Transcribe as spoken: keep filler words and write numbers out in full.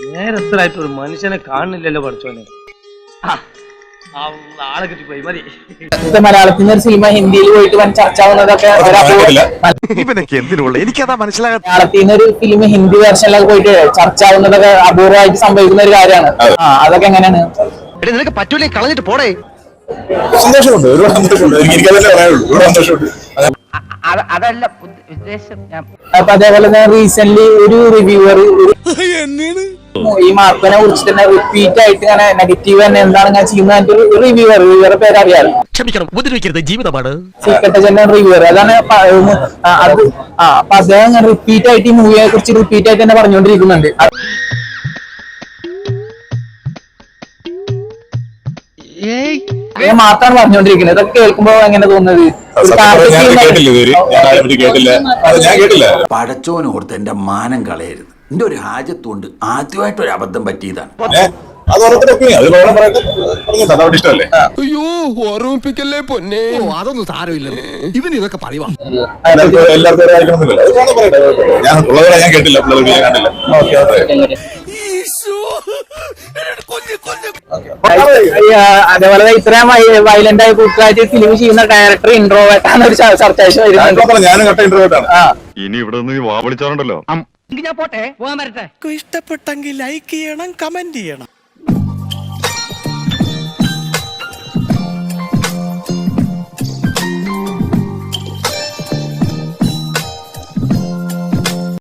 നേരത്തിലായിട്ട് ഒരു മനുഷ്യനെ കാണുന്നില്ലല്ലോ പഠിച്ചോനെ. ആളെ കിട്ടിപ്പോയി മതി. മലയാളത്തിൽ നിന്ന് ഒരു സിനിമ ഹിന്ദിയിൽ പോയിട്ട് വൻ ചർച്ച ആവുന്നതൊക്കെ എനിക്കതാ മനസ്സിലാകാത്ത. മലയാളത്തിൽ നിന്ന് ഒരു ഫിലിം ഹിന്ദി വേർഷനിലൊക്കെ പോയിട്ട് ചർച്ച ആവുന്നതൊക്കെ അപൂർവമായിട്ട് സംഭവിക്കുന്ന ഒരു കാര്യമാണ്. ആ അതൊക്കെ എങ്ങനെയാണ്? നിനക്ക് പറ്റൂലേ, കളഞ്ഞിട്ട് പോടേ. സന്തോഷമുണ്ട്, ഒരുപാട് സന്തോഷമുണ്ട്. എനിക്കതല്ലേ പറയാനുള്ളൂ, ഒരുപാട് സന്തോഷമുണ്ട്. അതല്ല ഉദ്ദേശം. അപ്പൊ അതേപോലെ തന്നെ റീസെന്റ് ഒരു റിവ്യൂവർ ഈ മാർക്കോനെ കുറിച്ച് തന്നെ റിപ്പീറ്റ് ആയിട്ട് ഇങ്ങനെ നെഗറ്റീവ് തന്നെ എന്താണ് ഞാൻ ചെയ്യുന്നത് ഒരു റിവ്യൂവർ റിവ്യൂവറെ പേര് അറിയാലോ. ക്ഷമിക്കണം, ഉപദ്രവിക്കരുത്, ജീവിതമാണ്. സീക്രട്ട് ഏജന്റ് റിവ്യൂവർ അതാണ്. അത് ആ അപ്പൊ അദ്ദേഹം ഇങ്ങനെ റിപ്പീറ്റ് ആയിട്ട് ഈ മൂവിയെ കുറിച്ച് റിപ്പീറ്റ് ആയിട്ട് തന്നെ പറഞ്ഞുകൊണ്ടിരിക്കുന്നുണ്ട്. മാത്രമാണ് പറഞ്ഞുകൊണ്ടിരിക്കുന്നത്. ഇതൊക്കെ കേൾക്കുമ്പോ എങ്ങനെ തോന്നുന്നത്? പടച്ചോനോർത്ത് എന്റെ മാനം കളയരുത്. എന്റെ ഒരു ഹാജത്തുകൊണ്ട് ആദ്യമായിട്ട് ഒരു അബദ്ധം പറ്റിയതാണ്. അയ്യോ, ഓർമ്മിപ്പിക്കല്ലേ പൊന്നെ. അതൊന്നും സാരമില്ല, ഇവൻ ഇതൊക്കെ പറയുവാ. ഞാൻ കേട്ടില്ല. അതേപോലെ ഇത്രയും വയലന്റ് ആയി കൂട്ടായിട്ട് ഫിലിം ചെയ്യുന്ന ഡയറക്ടർ ഇൻട്രോവേർട്ടാണ് ഒരു ചർച്ച ഇനി ഇവിടെ നിന്ന് വാ വിളിച്ചാറുണ്ടല്ലോ. ഞാൻ പോട്ടെ, പോകാൻ വരട്ടെ. ഇഷ്ടപ്പെട്ടെങ്കിൽ ലൈക്ക് ചെയ്യണം, കമന്റ് ചെയ്യണം.